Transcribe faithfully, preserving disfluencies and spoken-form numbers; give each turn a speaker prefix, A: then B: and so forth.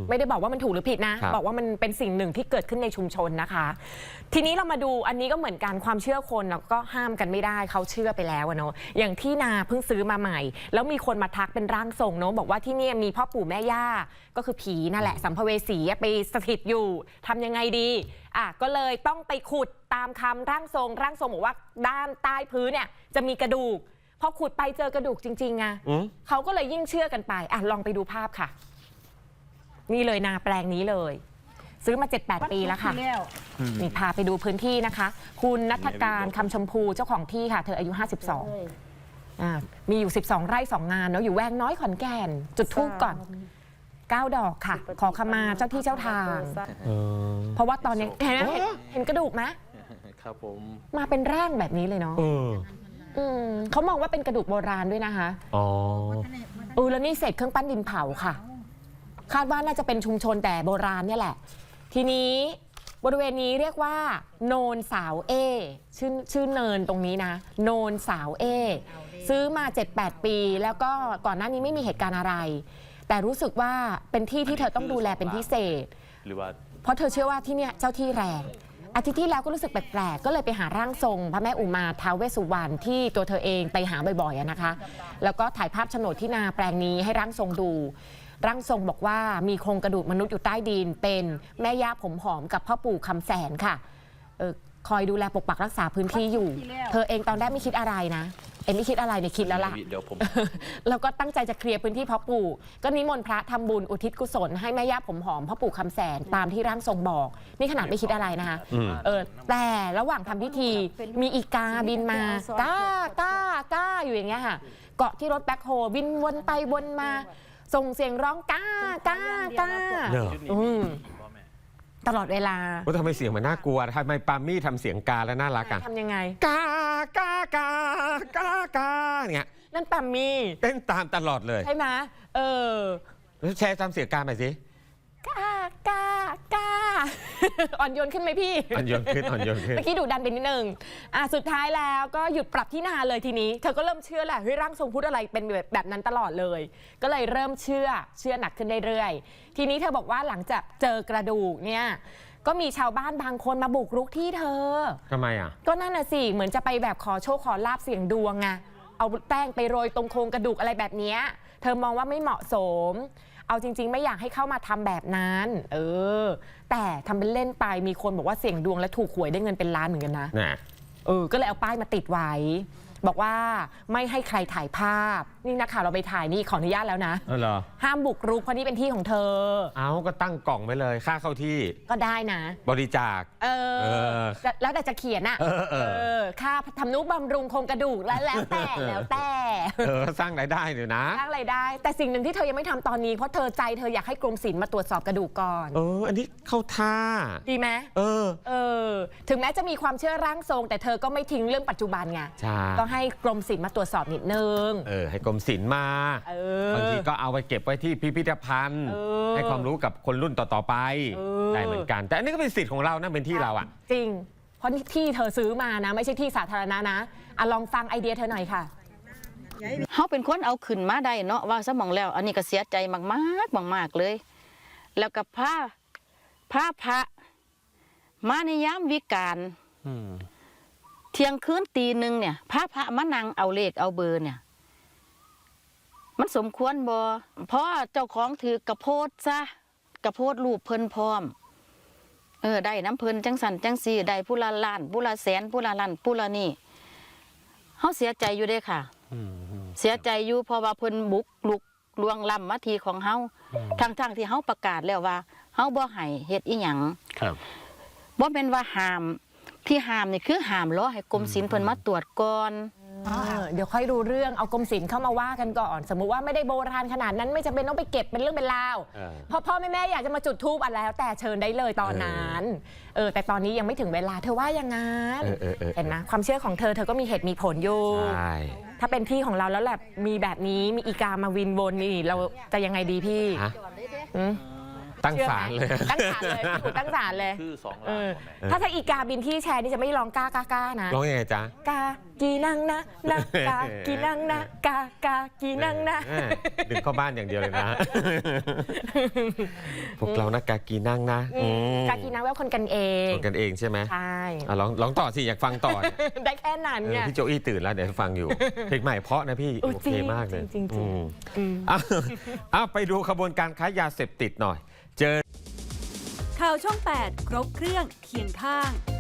A: ไม่ได้บอกว่ามันถูกหรือผิดนะบอกว่ามันเป็นสิ่งหนึ่งที่เกิดขึ้นในชุมชนนะคะทีนี้เรามาดูอันนี้ก็เหมือนกันความเชื่อคนเราก็ห้ามกันไม่ได้เขาเชื่อไปแล้วเนาะอย่างที่นาเพิ่งซื้อมาใหม่แล้วมีคนมาทักเป็นร่างทรงเนาะบอกว่าที่นี่มีพ่อปู่แม่ย่าก็คือผีนั่นแหละสัมภเวสีไปสถิตอยู่ทำยังไงดีอ่ะก็เลยต้องไปขุดตามคำร่างทรงร่างทรงบอกว่าด้านใต้พื้นเนี่ยจะมีกระดูกพอขุดไปเจอกระดูกจริงๆไงเขาก็เลยยิ่งเชื่อกันไปอ่ะลองไปดูภาพค่ะนี่เลยนาแปลงนี้เลยซื้อมา เจ็ดแปด ปีแล้วค่ะนี่พาไปดูพื้นที่นะคะคุณณัฐการคำชมพูเจ้าของที่ค่ะเธออายุห้าสิบสองอ่ามีอยู่สิบสองไร่สองงานเนาะอยู่แวงน้อยขอนแก่นจุดธูปก่อนเก้าดอกค่ะขอขมาเจ้าที่เจ้าทางเพราะว่าตอนนี้เห็นเห็นกระดูกไหม
B: ครับผม
A: มาเป็นร่างแบบนี้เลยเนาะเขามองว่าเป็นกระดูกโบราณด้วยนะคะอ๋อเออแล้วนี่เศษเครื่องปั้นดินเผาค่ะคาดว่าน่าจะเป็นชุมชนแต่โบราณเนี่ยแหละทีนี้บริเวณนี้เรียกว่าโนนสาวเอชื่อชื่อเนินตรงนี้นะโนนสาวเอซื้อมา เจ็ดแปด ปีแล้วก็ก่อนหน้านี้ไม่มีเหตุการณ์อะไรแต่รู้สึกว่าเป็นที่ที่เธอต้องดูแลเป็นพิเศษหรือว่าเพราะเธอเชื่อว่าที่เนี่ยเจ้าที่แรงอาทิตย์ที่แล้วก็รู้สึกแปลกๆก็เลยไปหาร่างทรงพระแม่อุมาท้าวเวสสุวรรณที่ตัวเธอเองไปหาบ่อยๆนะคะแล้วก็ถ่ายภาพโฉนดที่นาแปลงนี้ให้ร่างทรงดูร่างทรงบอกว่ามีโครงกระดูกมนุษย์อยู่ใต้ดินเป็นแม่ย่าผมหอมกับพ่อปู่คำแสนค่ะเออคอยดูแลปกปักรักษาพื้นที่อยู่เธอเองตอนแรกไม่คิดอะไรนะเอ็นไม่คิดอะไรเนี่ยคิดแล้วล่ะเดี๋ยวผมแล้วก็ตั้งใจจะเคลียร์พื้นที่พ่อปู่ก็นิมนต์พระทำบุญอุทิศกุศลให้แม่ย่าผมหอมพ่อปู่คำแสนตามที่ร่างทรงบอกนี่ขนาดไม่คิดอะไรนะคะเออแต่ระหว่างทำพิธีมีอีกาบินมาก้าก้าก้าอยู่อย่างเงี้ยค่ะเกาะที่รถแบ็คโฮบินวนไปวนมาส่งเสียงร้องก้าก้าก้าตลอดเวลา
C: ว่าทำไมเสียงมันน่ากลัวทำไมปามี่ทำเสียงกาแล้วน่ารักอ่ะ
A: ทำยังไง
C: กากากากากาเนี่ย
A: นั่นปามี่
C: เต้นตามตลอดเลย
A: ใช่ไหมเออ
C: แล้วแชร์ทำเสียงกาไปสิ
A: กากากาอ่อนโยนขึ้นไหมพี่
C: อ่อนโยนขึ้นอ่อนโยนขึ้น
A: เมื่อกี้ดูดันไปนิดนึงอ่ะสุดท้ายแล้วก็หยุดปรับที่นาเลยทีนี้เธอก็เริ่มเชื่อแหละเฮ้ยร่างทรงพูดอะไรเป็นแบบแบบนั้นตลอดเลยก็เลยเริ่มเชื่อเชื่อหนักขึ้นเรื่อยๆทีนี้เธอบอกว่าหลังจากเจอกระดูกเนี่ยก็มีชาวบ้านบางคนมาบุกรุกที่เธอ
C: ทำไมอ่ะ
A: ก็นั่นน่ะสิเหมือนจะไปแบบขอโชคขอลาบเสี่ยงดวงไงเอาแป้งไปโรยตรงโครงกระดูกอะไรแบบนี้เธอมองว่าไม่เหมาะสมเอาจริงๆไม่อยากให้เข้ามาทำแบบนั้นเออแต่ทำเป็นเล่นไปมีคนบอกว่าเสี่ยงดวงและถูกหวยได้เงินเป็นล้านเหมือนกันนะเออก็เลยเอาป้ายมาติดไว้บอกว่าไม่ให้ใครถ่ายภาพนี่นักข่าวเราไปถ่ายนี่ขออนุญาตแล้วนะ
C: เออเหรอ
A: ห้ามบุกรุกเพราะนี่เป็นที่ของเธอ
C: เอาก็ตั้งกล่องไว้เลยค่าเข้าที่
A: ก็ได้นะ
C: บริจาค
A: เออแล้วแต่จะเขียนอ่ะเออเออค่าทำนุบำรุงโครงกระดูกแล้วแล้วแต่แล้วแต่
C: เออสร้างรายได้อยู่นะ
A: สร้างรายได้แต่สิ่งหนึ่งที่เธอยังไม่ทำตอนนี้เพราะเธอใจเธออยากให้กรมศิลป์มาตรวจสอบกระดูกก่อน
C: เอออันนี้เข้าท่า
A: ดีไหม
C: เออ
A: เออถึงแม้จะมีความเชื่อร่างทรงแต่เธอก็ไม่ทิ้งเรื่องปัจจุบันไงก็ให้กรมศิลป์มาตรวจสอบนิดนึง
C: เออให้กรมศิลป์มาบางทีก็เอาไปเก็บไว้ที่พิพิธภัณฑ์ให้ความรู้กับคนรุ่นต่อๆไปได้เหมือนกันแต่อันนี้ก็เป็นสิทธิ์ของเรานะเป็นที่เราอ่ะ
A: จริงเพราะที่เธอซื้อมานะไม่ใช่ที่สาธารณะนะอ่ะลองฟังไอเดียเธอหน่อยค่ะ
D: เขาเป็นคนเอาขึ้นมาได้เนาะว่าสมองแล้วอันนี้ก็เสียใจมากมากมากๆเลยแล้วกับผ้าผ้าพระมาในยามวิกาลเที่ยงคืนตีหนึ่งเนี่ยพระพระมานั่งเอาเลขเอาเบอร์เนี่ยมันสมควรบ่เพราะเจ้าของถือกระโพดซะกระโพดรูปเพิ่นพร้อมเออได้น้ำเพิ่นจังสันจังสีได้ผู้ละล้านผู้ละแสนผู้ละล้านผู้ละนี่เขาเสียใจอยู่ได้ค่ะเสียใจอยู่เพราะว่าเพิ่นบุกลุกลวงล้ำมาทีของเฮาทั้งทั้งที่เฮาประกาศแล้วว่าเฮาบ่ให้เฮ็ดอีหยังบ่เป็นว่าห้ามที่ห้ามนี่คือห้ามรอให้กรมศิลป์เพิ่นมาตรวจก่อน
A: เดี๋ยวค่อยดูเรื่องเอากรมศิลป์เข้ามาว่ากันก่อนสมมุติว่าไม่ได้โบราณขนาดนั้นไม่จำเป็นต้องไปเก็บเป็นเรื่องเป็นราวพอพ่อแม่แม่อยากจะมาจุดธูปอะไรแล้วแต่เชิญได้เลยตอนนั้นเออแต่ตอนนี้ยังไม่ถึงเวลาเธอว่ายังไงเห็นนะความเชื่อของเธอเธอก็มีเหตุมีผลอยู่ถ้าเป็นที่ของเราแล้วแหละมีแบบนี้มีอีกามาวินวนนี่เราจะยังไงดีพี่
C: ตั้ง
A: ชื่อ
C: ศาล
A: ไหม
C: เลย
A: ตั้งศาลเลยพี่อู๋ตั้งศาลเลย
B: ชื่อสอง
A: เอ
B: ล้าน
A: อ
B: กว่าแม่
A: ถ้าถ้าอีกาบินที่แชร์นี่จะไม่ร้องกากากานะ
C: ร้องยังไงจ๊ะ
A: กากีนังนะนะกากีนังนะกากากีนังนะ
C: เออดึงเข้าบ้านอย่างเดียวเลยนะ พวกเรานะกากีนั่งนะอืม
A: กากีนังแปลว่าคนกันเอง
C: คนกันเองใช่ไหม
A: ใช่
C: อ่ะร้องร้องต่อสิอยากฟังต่อเนี่ย
A: ได้แค่นั้น
C: เออ
A: เนี่ย
C: พี่โจอี้ตื่นแล้วเดี๋ยวฟังอยู่ เพลงใหม่เพราะนะพี่
A: เออ
C: โอ
A: จริ
C: เค
A: ง
C: มากเลย
A: จริงๆจริงๆ
C: อืม
A: อืม
C: อ้าวอ้าวไปดูขบวนการค้ายาเสพติดหน่อย เจอ
E: ข่าวช่อง แปด ครบเครื่องเคียงข้าง